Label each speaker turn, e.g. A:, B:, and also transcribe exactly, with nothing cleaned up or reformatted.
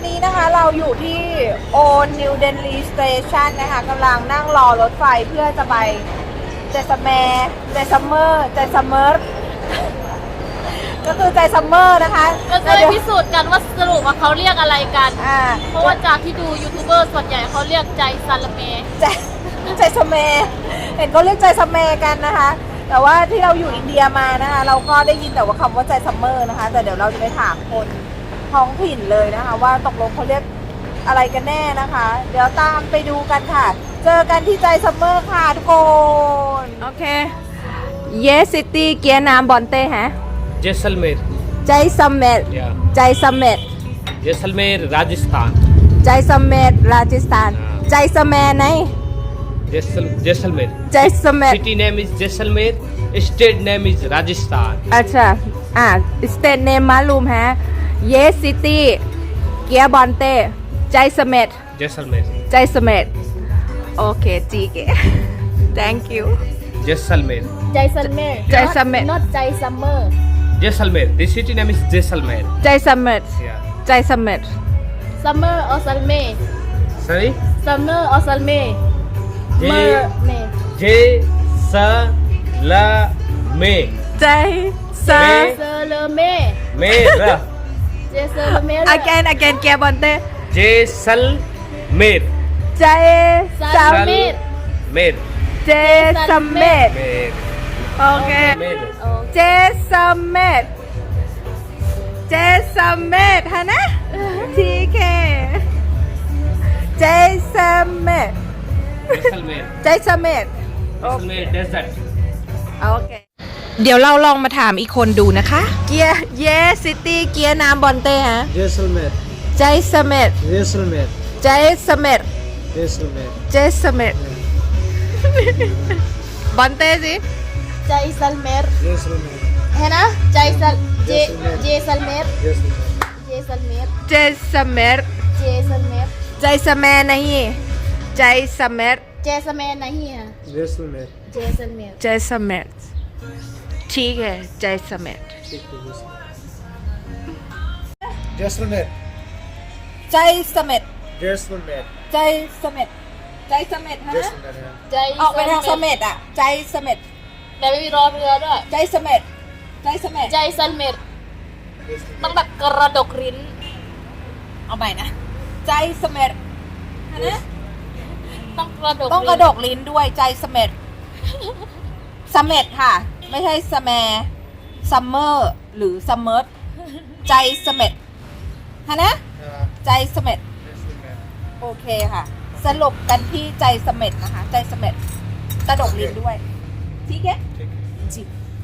A: นี้นะคะเราอยู่ที่โอนิวเดนลีสเตชันนะคะกำลังนั่งรอรถไฟเพื่อจะไปเจสเมร์เจสเมอร์เจสเมอร์ก็คือใจซัมเมอร์นะคะ
B: ก็จะได้พิสูจน์กันว่าสรุปว่าเขาเรียกอะไรกัน
A: อ่า
B: เพราะว่าจากที่ดูยูทูบเบอร์ส่วนใหญ่เขาเรียกใจซาลาเม
A: ใจใจสเมร์เห็นเขาเรียกใจสเมร์กันนะคะ แต่ว่าที่เราอยู่อินเดียมานะคะ เราก็ได้ยินแต่ว่าคำว่าใจซัมเมอร์นะคะ แต่เดี๋ยวเราจะไปถามคนท้องถิ่นเลยนะคะ ว่าตกลงเขาเรียกอะไรกันแน่นะคะ เดี๋ยวตามไปดูกันค่ะ เจอกันที่ใจซัมเมอร์ค่ะทุกคนโอเคเยสซิตี้เกียร์น้ำบอนเต้ฮะ
C: जैसलमेर
A: ใจสเมร์
C: या
A: ใจสเมร์
C: जैसलमेर राजस्थान
A: ใจสเมร์ราชสถานใจสเมร์ไหน
C: जैसल Jaisalmer
A: ใจสเมร์
C: city name is Jaisalmer state name is Rajasthan
A: अच्छाอ่าสเตทเนมมาลูมฮะเยสซิตี้เกียร์บอนเต้ใจสเมร์
C: Jaisalmer
A: ใจสเมร์โอเคจีเก thank you
C: Jaisalmer
B: ใจซัลเม
A: ใจซัมเมอร์
B: not ใจซัมเมอร์
C: Jaisalmer the city name is Jaisalmer
A: ใจสเมร์
C: yeah
A: ใจสเมร์
B: ซัมเมอร์ออซัลเม
C: sorry
B: ซัมเมอร์ออซัลเม
C: J
B: เมอร์เม
C: Jaisalmer
A: ใจส
C: เม
B: เซเลเม
C: मेरा
B: เจเซเลเม
A: again again เกียร์บอนเต้
C: जैसलमेर
A: ใจสเมร์
C: मेर
A: เจสเมร์
C: मेर
A: โอเค
C: मेर
A: เจสเมร์เจสเมร์ฮะนะทีเคเจสเมร์
C: जैसलमेर
A: ใจสเมร์
C: जैसलमेर डेजर्ट
A: โอเค เดี๋ยวเราลองมาถามอีกคนดูนะคะ เกียร์เยสซิตี้เกียร์น้ำบอนเต้ฮะ
D: जैसलमेर
A: ใจสเมร์
D: जैसलमेर
A: ใจสเมร์
D: जैसलमेर
A: เจสเมร์บอนเต้สิ
B: ใจซัลเมร์
D: जैसलमेर
B: เห็นนะใจซัลเจ
D: Jaisalmer
B: เจซัลเมร์
D: जैसलमेर
B: เจซัลเมร์
A: เจสเมร์
B: เจซัลเมร์
A: ใจสเมร์नहींใจสเมร์
B: เจสเมร์नहीं है
D: जैसलमेर
B: เจซัลเมร์
A: ใจสเมร์ठीक हैใจสเมร์
D: ठीक है जैसलमेर
A: ใจสเมร์
D: जैसलमेर
A: ใจสเมร์ใจสเมร์ฮะ
D: जैसलमेर
B: ใจ
A: ออกไปทางสเมร์อ่ะใจสเมร์
B: แต่ไม่มีรอเรือด้วย
A: ใจสเมร์ใจสเมร์
B: ใจซัลเมร์ต้องแบบกระดกริ้น
A: เอาใหม่นะใจสเมร์ฮะนะ
B: ต้องกระดก
A: ต้องกระดกลิ้นด้วยใจสเมร์สเมร์ค่ะ ไม่ใช่สแมร์ซัมเมอร์หรือซัมเมอร์ใจสเมร์ฮะนะ ใจสเมร์
D: जैसलमेर
A: โอเคค่ะ สรุปกันที่ใจสเมร์นะคะ ใจสเมร์กระดกลิ้นด้วยทีเค
D: ठीक है
A: จี